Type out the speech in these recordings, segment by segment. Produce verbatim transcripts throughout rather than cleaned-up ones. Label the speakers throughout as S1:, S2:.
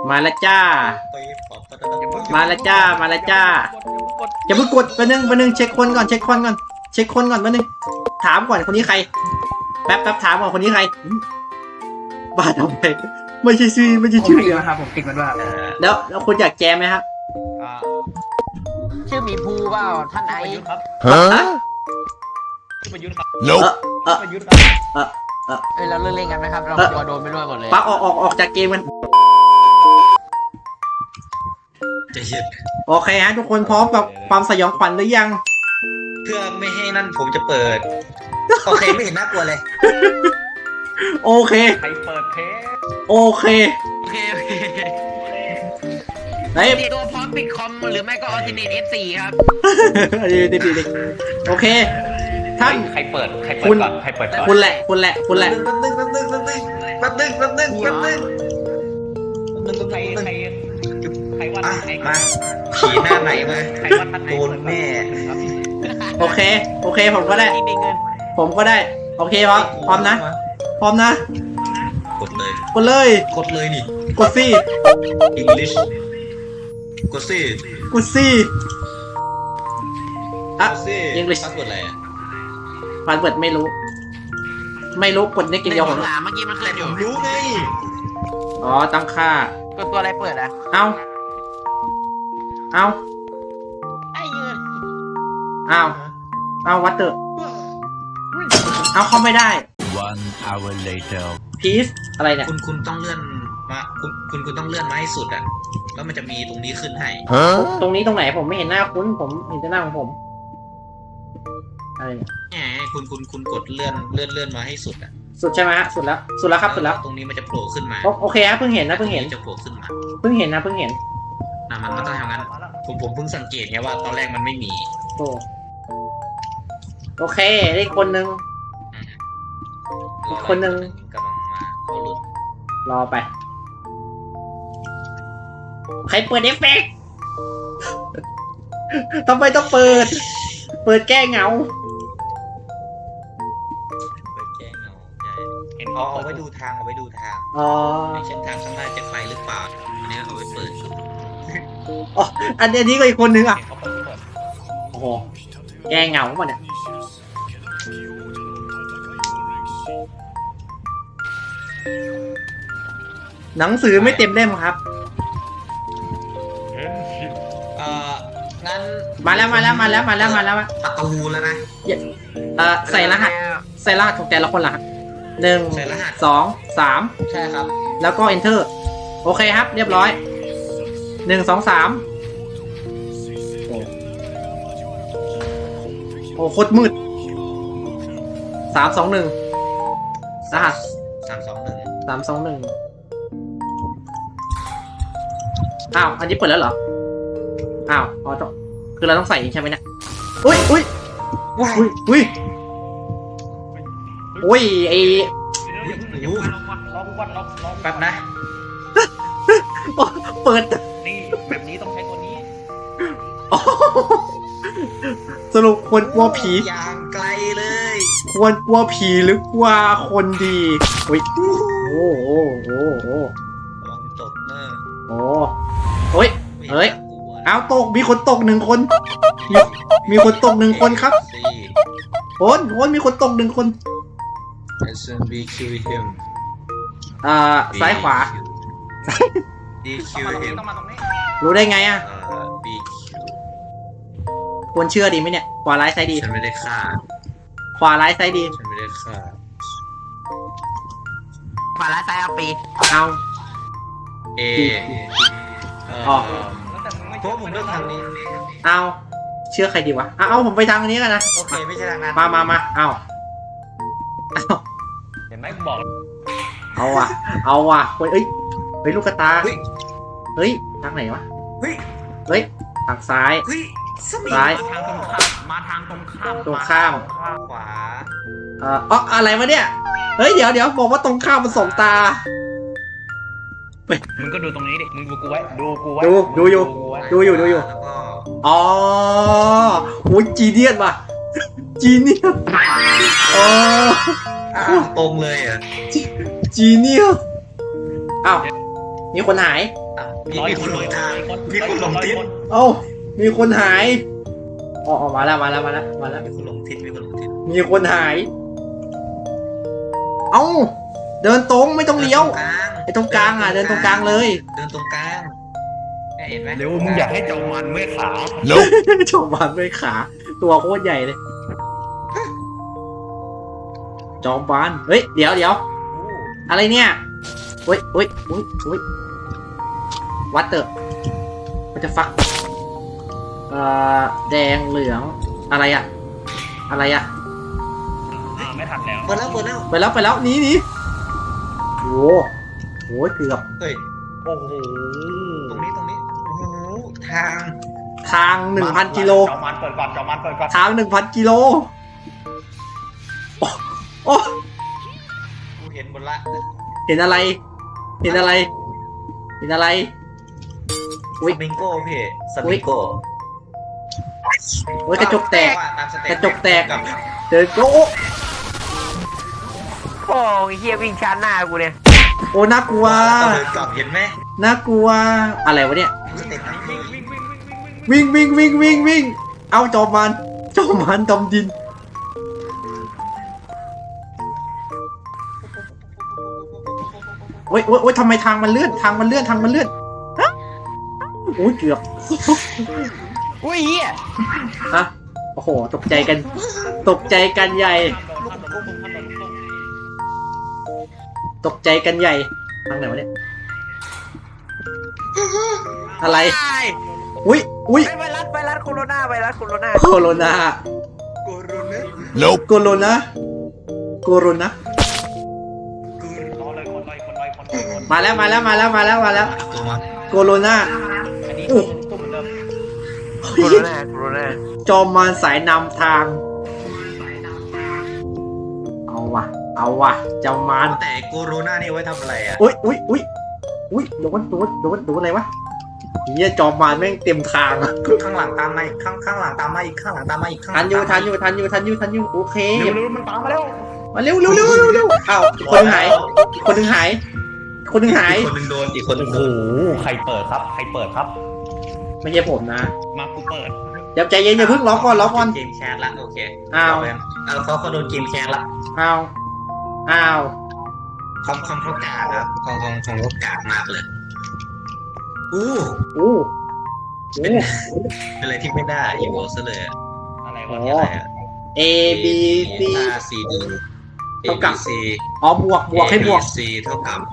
S1: มาแล้วจ้ามาแล้วจ้ามาแล้วจ้าอย่าเพิ่งกดแป๊บนึงแป๊บนึงเช็คคนก่อนเช็คคนก่อนเช็คคนก่อนแป๊บนึงถามก่อนคนนี้ใครแป๊บแป๊บถามก่อนคนนี้ใครบ้าทำไมไม่ใช่ชื่อไม่ใช่ชื่อ
S2: นะครับผมติดมันว่า
S1: แล้วแล้วคุณอยากแจมไหมครับ
S2: ชื่อมีภูเปล่าท่านไอครับ
S1: ฮะ
S3: ชื่อประยุทธ์ครับ
S1: no เออ
S3: ประยุทธ์ครับ
S1: เออเออ
S2: เอ้ยเราเล่นเล่นกันไหมครับเรากลัวโดนไปด้วยหมดเลย
S1: ปักออกออกออกจากเกมกัน
S4: จะเย็น
S1: โอเคฮะทุกคนพร้อมกับความสยองขวัญหรือยัง
S4: เพื่อไม่ให้นั่นผมจะเปิดโอเคไม่เห็นน่ากลัวเลย
S1: โอเค
S3: ใครเปิดเพจ
S1: โอเค
S2: โอเคโอเค
S1: ไอ้
S2: ตัวพร้อมปิดคอมหรือไม่ก็ออทิเนต เอฟ โฟร์ ครับ
S1: ดีดีดีโอเคท่าน
S3: ใครเปิดใครเปิดก่อนใครเปิดก่อน
S1: คุณแหละคุณแหละคุณแหละ
S4: แป๊บนึงแป๊บนึงแป๊บนึงแป๊บนึงแป๊บนึงแป๊บนึงแป๊บนึง
S3: ใครใครใครวัดไหน
S4: มาขี่หน้าไหนมา
S3: ใครวัดไหน
S4: โดนแม่
S1: โอเคโอเคผมก็ได้ผมก็ได้โอเคพร้อมพร้อมนะพร้อมนะ
S4: กดเลย
S1: กดเลย
S4: กดเลยนี่
S1: กดสิ
S4: English กดสิ
S1: กดสิอ่ะ
S4: English พาสเวิร์ดอะไรอ่ะ
S1: พาสเวิร์ดไม่รู้ไม่รู้กดในกินเดียวผม
S2: เมื่อกี้มันขึ้นอยู่
S4: รู้ไง
S1: อ๋อตั้งค่า
S2: ตัวตัวอะไรเปิดอ่ะ
S1: เอาเอา
S2: ไอ้ยืน
S1: เอาเอาวัดเตอร์เอาเข้าไม่ได้
S5: one hour later
S1: พีซอะไรเนี่ย
S4: คุณคุณต้องเลื่อนมาคุณคุณคุณต้องเลื่อนมาให้สุดอ่ะแล้วมันจะมีตรงนี้ขึ้นให้
S1: ตรงนี้ตรงไหนผมไม่เห็นหน้าคุณผมเห็นแต่หน้าของผมอะไรเนี่ย
S4: แหมคุณคุณคุณกดเลื่อนเลื่อนเลื่อนมาให้สุดอ่ะ
S1: สุดใช่ไหมฮะสุดแล้วสุดแล้วครับสุดแล้ว
S4: ตรงนี้มันจะโผล่ขึ้นมา
S1: โอเคครับเพิ่งเห็นนะเพิ่งเห็น
S4: จะโผล่ขึ้นมา
S1: เพิ่งเห็นนะเพิ่งเห็น
S4: นะมันมันต้องทำงั้นผมผมเพิ่งสังเกตไงว่าตอนแรกมันไม่มี
S1: โอ้โอเคได้คนนึงอีกคนนึง
S4: กำลังมาเขาหลุด
S1: รอไปใครเปิดเอฟเฟกต์ทำไมต้องเปิดเปิดแก้เหงา
S4: เปิดแก้เหงาใช่เห็นเขาเอาไว้ดูทางเอาไว้ดูทาง
S1: อ๋อ
S4: เช่นทางข้างหน้าจะไปหรือเปล่าอันนี้เอาไว้เปิด
S1: อ๋ออันนี้ก็อีกคนนึงอ่ะโอ้โหแก้เหงาหมดเนี่ยหนังสือไม่เต็มเล่มครับ
S4: เอ่องั้น
S1: มาแล้วมาแล้วมาแล้วมาแล้วมาแล้ว
S4: ประตูแล้วนะ
S1: เอ่อใส่รหัสใส่รหัสของแต่ละคนละครับหนึ่งสองสาม
S4: ใช่ครับ
S1: แล้วก็ enter โอเคครับเรียบร้อยหนึ่งสองสามโอ้โคตรมืดสามสองหนึ่งรหัส
S4: สามสองหนึ่ง
S1: สามสองหนึ่งอ้าวอันนี้เปิดแล้วเหรออ้าวอ๋อต้องคือเราต้องใส่ใช่ไหมเนี่ยอุ้ยอุ้ยอุ้ยอุ้ยอุ้ยไอ
S4: แป๊บนะ
S1: เปิด
S3: นี่แบบนี้ต้องใช้ตัวนี้
S1: สรุปควรกลัวผี
S4: อย่างไกลเลย
S1: ควรกลัวผีหรือกลัวคนดีอุ้ยโอ้โหโอ้โห
S4: ลองตกเนอะ
S1: โอ้โอ้ยเฮ้ยเอาตกมีคนตกหนึ่งคนมีมีคนตกหนึ่งคนครับโอนโอนมีคนตกหนึ่งคนอ่าซ้ายขวารู้ได้ไงอ่ะควรเชื่อดีไหมเนี่ยขวาร้ายซ้ายดี
S4: ฉันไม่ได้ฆ่า
S1: ขวาร้ายซ้ายดี
S4: ฉันไม่ได้ฆ่า
S2: ขวาร้ายซ้ายเอาปี
S1: เอา
S4: เอ
S1: อ๋อ
S4: เพราะผมเลือกทางนี้
S1: เอาเชื่อใครดีวะเอาผมไปทางนี้กันนะ
S4: โอเคไม่ใช่ทางนั้น
S1: มามามาเอาเอา
S3: เห็นไหมบอก
S1: เอาว่ะเอาว่ะเฮ้ยเฮ้ยลูกกระตาเฮ้ยทางไหนวะเฮ้ยเฮ้ยทางซ้ายซ้าย
S3: ทางตรงข้ามมาทางตรงข้าม
S1: ตรงข้าม
S4: ขวา
S1: เอ่ออ๋ออะไรวะเนี่ยเฮ้ยเดี๋ยวเดี๋ยวบอกว่าตรงข้ามมันสองตา
S3: มึงก็ดูตรงนี้ดิมึงดูกูไว้ดูกูไว้
S1: ดูดูอยู่ดูอยู่ดูอยู่อ๋อโหจีเนียสว่ะจีเนียสอ๋อ
S4: ตรงเลยอ่ะ
S1: จีเนียสอ้าวมีคนหาย
S4: อ่ะมีมีคนหลงทางมีคนหลงทิศ
S1: เอ้ามีคนหายอ๋อมาแล้วมาแล้วมาแล้วมาแล้ว
S4: มีคนหลงทิศมีคนหลงทิศ
S1: มีคนหาย เอ้าเดินตรงไม่ต้องเลี้ยว ไอ้ตรงกลางอ่ะเดินตรงกลางเลย
S4: เดินตรงกลางเนี่ยเห็นไหม
S3: เร็วมึงอยากให้เจ้ามันเมื่อยขา
S1: โชว์บานด้วยขา ตัวโคตรใหญ่เลย จอมบานเฮ้ยเดี๋ยวเดี๋ยวอะไรเนี่ยเฮ้ยเฮ้ยเฮ้ยเฮ้ยวัดเตอร์มันจะฟักเอ่อแดงเหลืองอะไรอะอะไรอะ
S3: อ่าไม่ทันแล้ว
S4: เปิดแล้วเปิดแล้ว
S1: ไปแล้วไปแล้วหนีหนีโอ้โหโหเกือบ
S4: เฮ้ย
S3: โอ้โห
S4: ตรงนี้ตรงนี้โอ้โหทาง
S1: ทางหนึ่งพันกิโล
S3: เจ้ามันเปิดก่อนเจ้ามันเปิดก่อน
S1: ทางหนึ่งพันกิโลโอ้โอ้
S4: กูเห็นหมดละ
S1: เห็นอะไร เห็นอะไร เห็นอะไร อุ๊
S4: ส
S1: ย
S4: มิงโก้พี่สมิงโก้
S1: โอ้ยกระจกแตก
S4: ว่าตามสเต็ป
S1: กระจกแตก
S4: กับ
S1: เดินโอ้
S2: โอ้ยเฮียวิ่งชาร์จหน้ากูเนี่ย
S1: โอ้น่ากลัว
S4: เดินกลับเห็นไหม
S1: น่ากลัวอะไรวะเนี่ย
S4: สเต็ปไหนพี่
S1: วิ่งวิ่งวิ่งวิ่งวิ่งเอาจอมมันจอมมันดำดินโอ้ยโอ้ยโอ้ยทำไมทางมันเลื่อนทางมันเลื่อนทางมันเลื่อนฮะโอ้ยเกือบ
S2: อุ้ยเฮีย
S1: ฮะโอ้โหตกใจกัน ตกใจกันใหญ่ ตกใจกันใหญ่ทางไหนวะเนี่ยอะไร อุ้ยอุ้ย
S2: ไวรัสไวรัสโคโรนาไวรัสโคโรนา
S1: โคโรนา
S4: โกโรเน
S5: Nope.
S1: โคโรนาโคโรนา
S3: รอเลยคนลอยคนลอยคนลอยคน
S1: มาแล้วมาแล้วมาแล้วมาแล้วมาแล้ว
S4: ตัวมา
S1: โคโรนา
S3: อันนี้ตุ้มตุ้มเหมือนเดิม
S2: โคโรนาโคโรนา
S1: จอมมารสายนำทาง เอาว่ะ เอาว่ะจอมมาร
S4: แต่โกโรนานี่ไว้ทำอะไรอ่ะ
S1: อุ้ยอุ้ยอุ้ยอุ้ยโดนโดนโดนโดนอะไรวะเฮียจอมมารแม่งเต็มทางอะ
S4: ข้างหลังตามมาอีกข้างข้างหลังตามมาอีกข้างหลังตามมาอีกข้างห
S1: ทั
S4: ลั
S1: น
S4: ง
S1: อยู่
S4: ตาม
S1: ทั
S4: มาน
S1: อยู่ทันอยู่ทันอยู่ทันอยู่โอเค
S3: เร็วเร็วมันตามมาแล้ว
S1: มาเร็วเร็วเร็วเร็วเร็วอ้าวอีกคนหนึงหายอีกคนหนึงหายอีกคนหนึงหาย
S4: อีกคนหนึ่งโดนอีกคนหนึ่ง
S3: โอ้
S4: โด
S3: โห
S4: น
S3: ใครเปิดครับใครเปิดครับ
S1: ไม่ใช่ผมนะ
S3: มากูเปิด
S1: เดี๋ยวใจเย็นอย่าเพิ่งล็อกก่อนล็อกก่อน
S4: เกมแคสละโอเค
S1: อ้าว
S4: เอาเขาเขาโดนเกมแคสละ
S1: อ้าวอ้าว
S4: คอมคอมเขากาดครับคอมคอมคอมเขากาดมากเลยอู้
S1: อู้อู้
S4: เป็นอะไรที่ไม่ได้อยู่ซะเลยอะ
S3: อะไร
S1: อ๋
S3: วะ
S1: อ
S3: เนี่ย
S4: อะไรอะ
S1: A B C
S4: A C D A
S1: เท่า
S4: B
S1: กับ
S4: C
S1: อ๋อบวกบวกให้บวก
S4: A B C เท่ากับ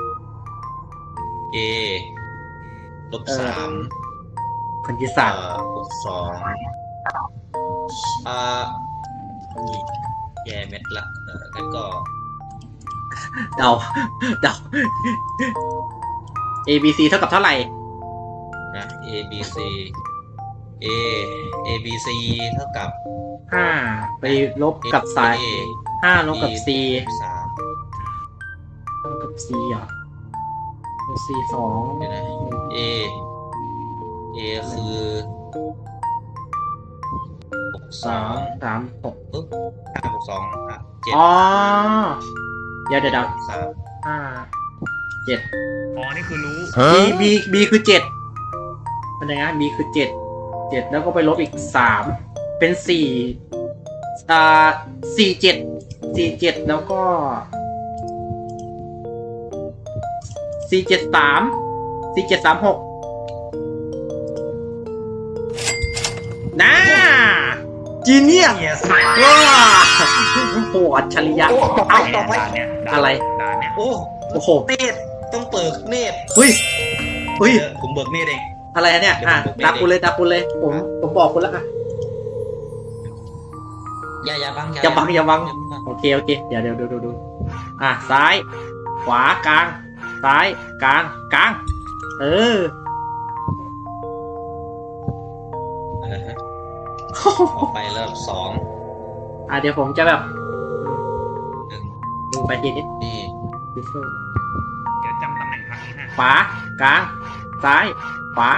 S4: A ลบ
S1: เออ
S4: สาม
S1: คนที่
S4: เอ่
S1: สาม
S4: อลบสองเอ่อแย่เม็ดละเออแล้วก็
S1: เดาเดา A B C เท่ากับเท่าไหร่
S4: นะ A B C A A B C เท่ากับ
S1: ห้าไปลบกับสาย
S4: A
S1: ห้าลบกับ C
S4: สาม
S1: ลบกับ C เหรอลบ C สอง
S4: เดี๋ยวนะ A A คือหกส
S1: สา
S4: อ
S1: ม
S4: ง
S1: สามหก
S4: ปึ๊บห้าหกสองอ่ะเจ็ด
S1: อ๋อเดี๋ยวเดี๋ยวเดี๋ยว
S4: สาม
S1: ห้าเจ็ด
S3: อ๋อนี่คือรู้
S1: B B B คือเจ็ดเป็นยังไง B คือเจ็ดเจ็ดแล้วก็ไปลบอีกสามเป็นสี่อ่าสี่เจ็ดสี่เจ็ดแล้วก็สี่เจ็ดสามสี่เจ็ดสามหกน่าจีเนียส
S4: เนี่ย
S1: ว้าโหอัจฉริยะ
S4: โอ้ตกไป
S3: ด่า
S4: ตกไป
S3: นเนี่ยด่าน
S1: อะไร
S3: ด่านเนี่ย
S4: โอ้
S1: โอ้โห
S4: เนตรต้องเปิดเนตร
S1: เฮ้ยเฮ้ย
S4: เดี๋ยวผมเบิกเนตรเอง
S1: อะไรอะเนี่ยอ่ะตามคุณเลยตามคุณเลยผมผมบอกคุณแล้วอ่ะ
S4: อย่าอย่าบัง
S1: อย่าบังอย่าบัง โอเคโอเคเดี๋ยวเดี๋ยวดูดูดูอ่ะซ้าย ขวากลาง ซ้ายกลางกลาง เออ
S4: เออฮะออกไปเริ่มสอง
S1: อ่ะเดี๋ยวผมจะแบบ
S4: หนึ่ง
S1: ดูไปทีนี้
S4: นี่
S1: ดิโซ่
S3: เดี๋ยวจำตำแหน่งทางนี้ให้
S1: ขวากลาง ซ้าย ขวา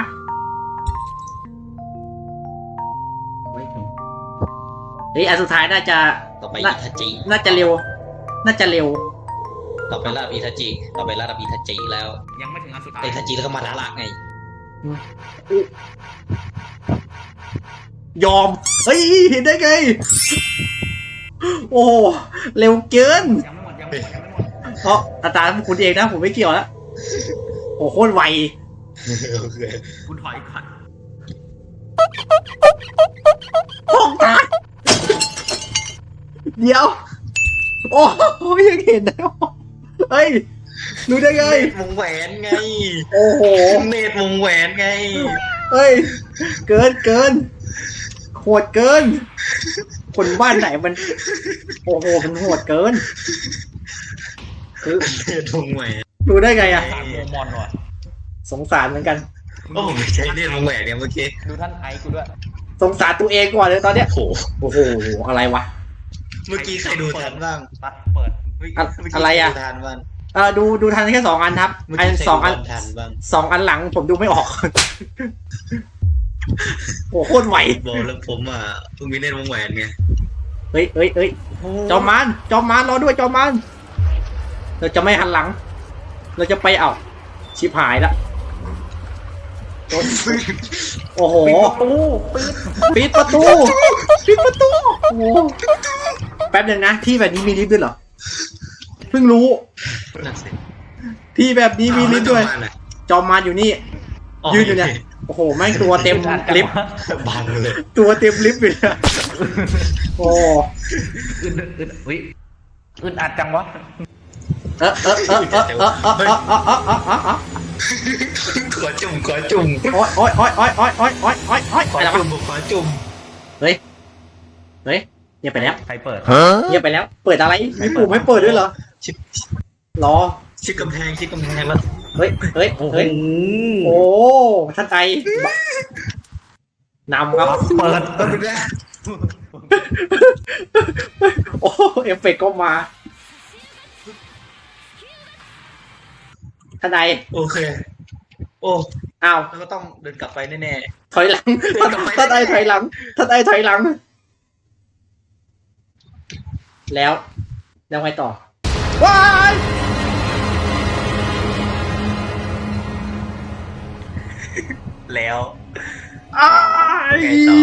S1: ไม่ถึงเฮ้ยอันสุดท้ายน่าจะ
S4: ต่อไป
S1: น่า
S4: อิทาจิ
S1: น่าจะเร็ว น่าจะเร็ว
S4: ต่อไประดับอิทาจิต่อไประดับอิทาจิแล้ว
S3: ยังไม่ถึงอันสุดท้าย
S4: อิทาจิแล้วก็มาดาระไง
S1: ยอมเฮ้ยเห็นได้ไงโอ้เร็วเกิน
S3: ยังไม่หมดยังไม่หมดยังไม่หมด
S1: เพราะอาจารย์คุณเองนะผมไม่เกี่ยวแล้วโอ้โคตรไว
S4: โอเค
S3: คุณถอยก่อน
S1: ห้องตาเดี๋ยวโอ้ยยังเห็นนะเฮ้ยรู้ได้ไง
S4: เนตรวงแหวนไง
S1: โอ้โห
S4: เนตรวงแหวนไง
S1: เฮ้ยเกินเกินโหดเกิน คนบ้านไหนมัน โอ้โหมันโหดเกินคือ
S4: เนตรวงแหวน
S1: รู้ได้ไงอะ
S3: สามโมมอนว่ะ
S1: สงสารเหมือนกัน
S4: โอ้ผมไม่ใช่เนตรวงแหวนเนี่ยเมื่อกี้
S3: ดูท่านไอซ์กูด้วย
S1: สงสารตัวเองก่อนเลยตอนเนี้ย
S4: โอ้โห
S1: โอ้โหอะไรวะ
S4: เมื่อกี้ใครดูทันบ้าง
S3: ตัดเปิด
S4: เมื่กี้
S1: อะ
S4: เมื่กี้
S1: อะไรอะ
S4: ใคดูทันบ้าง
S1: เออดูดูทันแค่สองอันครับ
S4: เมื่อ
S1: อัน
S4: กี้ใคร
S1: สองอัน
S4: ดูทันบ้าง
S1: สองอันหลังผมดูไม่ออก โอ้โคตรไหว
S4: บอกแล้วผมอ่ะเพิ่งมีเนตรวงแหวนไง
S1: เฮ้ยเฮ้ยเฮ้ยจอมมานจอมมานรอด้วยจอมมานเราจะไม่หันหลัง เราจะไปเอาชิบหายละโอ้โหปิดประตูปิดประตูโอ้โหแป๊บนึงนะที่แบบนี้มีลิฟต์ด้วยเหรอเพิ่งรู้
S4: นั่นสิ
S1: ที่แบบนี้มีลิฟต์ด้วย
S4: เอาแล้
S1: จอมมานอยู่นี่ ยืนอยู่เนี่ย โอ้โหแม่งตัวเต็มลิฟต์
S4: บังเลย
S1: ตัวเต็มลิฟต์เลยอะโอ้
S3: อึดอึดอุ้ยอึดอัดจังวะ
S1: เออเออเออเออเออเออเออเออเออเออเออเออ
S4: ขอจุ่มขอจุ่ม
S1: โอ๊ยโอ๊ยโอ๊ยโอ๊ยโอ๊ยโอ๊ยโอ๊ยโอ๊ยโอ๊ย
S4: ขอ
S1: อะไร
S4: จุ่
S1: วะ
S4: มขอจุ่ม
S1: เฮ้ยเฮ้ยเงียบไปแล้ว
S3: ใครเปิด
S1: เงียบไปแล้ว เปิดอะไรมีปุ่มให้เปิดด้วยเหรอ
S4: ชิด
S1: รอ
S4: ชิดกำแพงชิดกำแพงแล้ว
S1: เฮ้ยเฮ้ยเฮ้ยโอ้ท่านไอนำครับ
S3: เปิด
S4: ต้นแรก
S1: โอ้เอฟเฟกต์ก็มาท่านไอ
S4: โอเค โอ้
S1: อ้าว
S4: แล้วก็ต้องเดินกลับไปแน่
S1: ถอยหลังท่านท่านไอถอยหลังท่านไอถอยหลัง แล้วแล้วไงต่อว้าย
S4: ๆแล้ว
S1: อ้าย
S4: ไงต่อ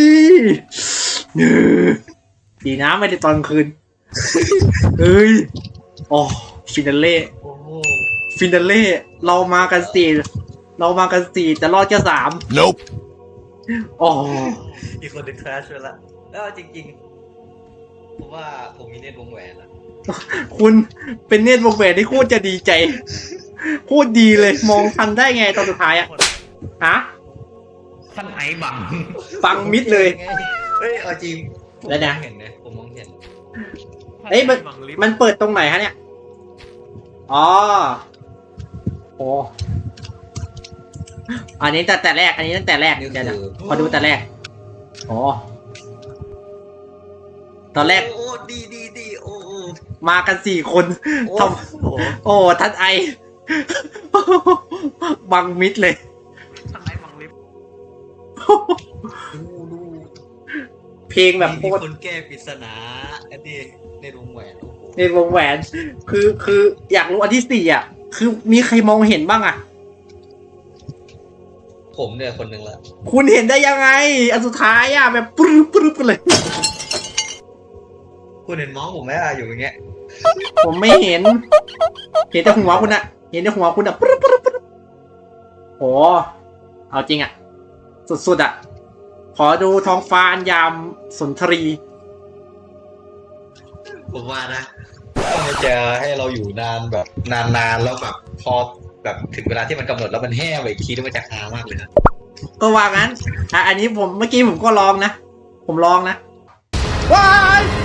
S1: ดีนะไม่ได้ตอนกลางคืนเฮ้ยโอ้ฟินาเล่
S4: โอ้โห
S1: ฟินาเล่เรามากันสี่เรามากันสี่แต่รอดแค่สาม
S5: Nope.
S1: โอ้
S4: อีกคนหนึ่งคลาสไปละแล้วจริงๆผมว่าผมมีเนตรวงแหวนละ
S1: คุณเป็นเนตรวงแหวนที่โคตรจะดีใจโคตรดีเลยมองทันได้ไงตอนสุดท้ายอะฮะ
S3: ท่านไอซ์บัง
S1: ฟังมิดเลย
S4: เฮ้ยเอาจริง
S1: แล้วนะ
S4: ผมมองเห็นนะผมมองเห็น
S1: เอ้ยมัน
S3: บังลิฟต์
S1: มันเปิดตรงไหนฮะเนี่ยอ๋อโอ้อันนี้แต่แต่แรกอันนี้ตั้งแต่แรก
S4: นี่
S1: เดี๋ยวนะ
S4: คือ
S1: ขอดูแต่แรกอ๋อตอนแรก
S4: โอ้ดีดีดีโอ้โอ้
S1: มากันสี่คน
S4: โอ้
S1: ทำโอ้ท่านไอ บังมิดเลย
S3: ท่านไอซ์บังลิฟต์
S4: ดูดู
S1: เพลงแบบโค
S4: มี
S1: ตร
S4: คนแก้ปริศนาอันนี้ในวงแหวนโอ้โห
S1: ในวงแหวน คือคืออยากรู้อันที่สี่อ่ะ คือมีใครมองเห็นบ้างอ่ะ
S4: ผมเนี่ยคนหนึ่งละ
S1: คุณเห็นได้ยังไง อันสุดท้ายอ่ะแบบปรึ๊บปรึ๊บกันเลย
S4: คุณเห็นมองผมไหมอะอยู่อย่างเงี้ย
S1: ผมไม่เห็น เห็นแต่หัวคุณอะเห็นแต่หัวคุณอะปรึ๊บปรึ๊บปรึ๊บโหเอาจริงอะสุดๆอะขอดูท้องฟ้าอันยามสุนทรี
S4: ผมว่านะถ้ามันจะให้เราอยู่นานแบบนานๆแล้วแบบพอแบบถึงเวลาที่มันกำหนดแล้วมันแห้ไปอีกทีนี่มันจะฮามากเลยนะ
S1: ก็ว่างั้นอ่ะอันนี้ผมเมื่อกี้ผมก็ลองนะ ผมลองนะว้าย